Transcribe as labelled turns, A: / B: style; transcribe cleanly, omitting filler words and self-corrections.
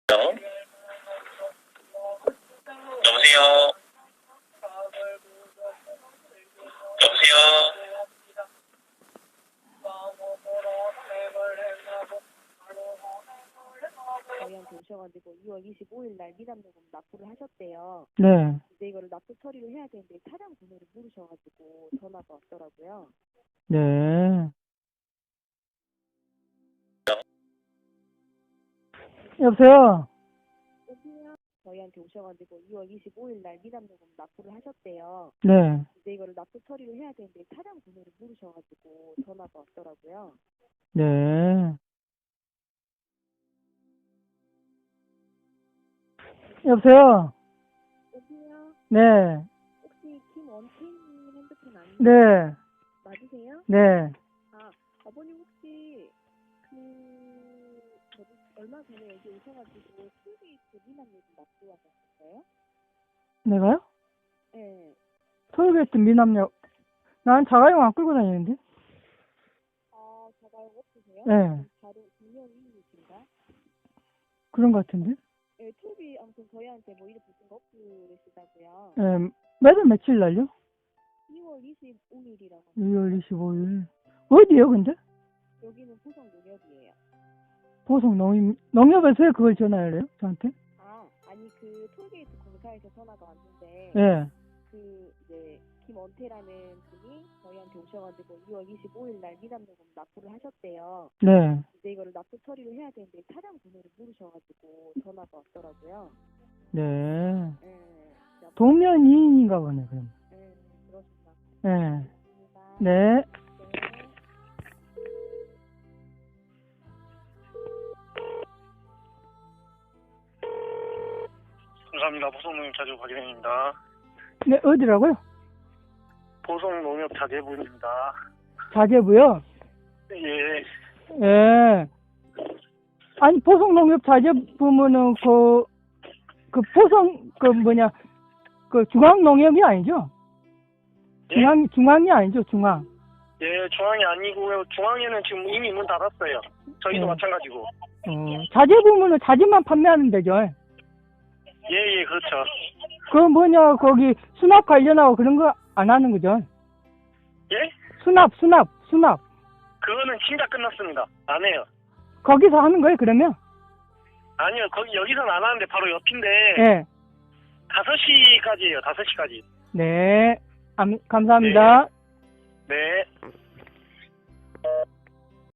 A: 여보세요? 여보세요?
B: 저희한테 오셔가지고 2월 25일 날 미납요금 납부를 하셨대요.
C: 네.
B: 근데 이거를 납부 처리를 해야 되는데 차량 번호를 모르셔가지고 전화가 왔더라고요.
C: 네. 여보세요?
B: 저희한테 오셔가지고 2월 25일 날 미납요금 납부를 하셨대요.
C: 네.
B: 근데 이거를 납부 처리를 해야 되는데 차량 번호를 모르셔가지고 전화가 왔더라고요.
C: 네. 여보세요? 네.
B: 혹시 김원태님 핸드폰 아니에요?
C: 네.
B: 맞으세요?
C: 네.
B: 아버님 혹시 얼마 전에 여기 오셔가지고 톨게이트 미납요금 납부하셨어요?
C: 내가요?
B: 네.
C: 토요일에 미남역. 난 자가용 안 끌고 다니는데?
B: 자가용 없으세요?
C: 네.
B: 바로 분명히이신가?
C: 그런 것 같은데?
B: 네, 톨비 아무튼 저희한테 뭐 이름 붙은 거 없고 그러시다고요.
C: 네. 매달 며칠 날요?
B: 2월 25일이라고.
C: 2월 25일. 어디요, 근데?
B: 여기는 포성 농협이에요.
C: 보성 농협에서 왜 그걸 전화를 해요? 저한테?
B: 아니 그 톨게이트 공사에서 전화가 왔는데
C: 예.
B: 이제 김원태라는 분이 저희한테 오셔가지고 2월 25일 날 미납요금 납부를 하셨대요.
C: 네.
B: 근데 이거를 납부 처리를 해야 되는데 차량 번호를 모르셔가지고 전화가 왔더라고요.
C: 네.
B: 네.
C: 도면이인인가 보네, 그럼.
B: 네, 그렇습니다.
C: 네.
B: 감사합니다.
C: 네.
A: 감사합니다. 보성농협 자재부 박일행입니다.
C: 네, 어디라고요?
A: 보성농협 자재부입니다.
C: 자재부요?
A: 예.
C: 예. 아니, 보성농협 자재부면은 중앙농협이 아니죠?
A: 예?
C: 중앙이 아니죠, 중앙.
A: 예, 중앙이 아니고요. 중앙에는 지금 이미 문 닫았어요. 저희도 마찬가지고.
C: 자재부면은 자재만 판매하는 데죠.
A: 예, 그렇죠.
C: 거기 수납 관련하고 그런 거 안 하는 거죠?
A: 예?
C: 수납.
A: 그거는 진짜 끝났습니다. 안 해요.
C: 거기서 하는 거예요, 그러면?
A: 아니요, 여기서는 안 하는데 바로 옆인데.
C: 네.
A: 5시까지예요, 5시까지.
C: 네. 감사합니다.
A: 네.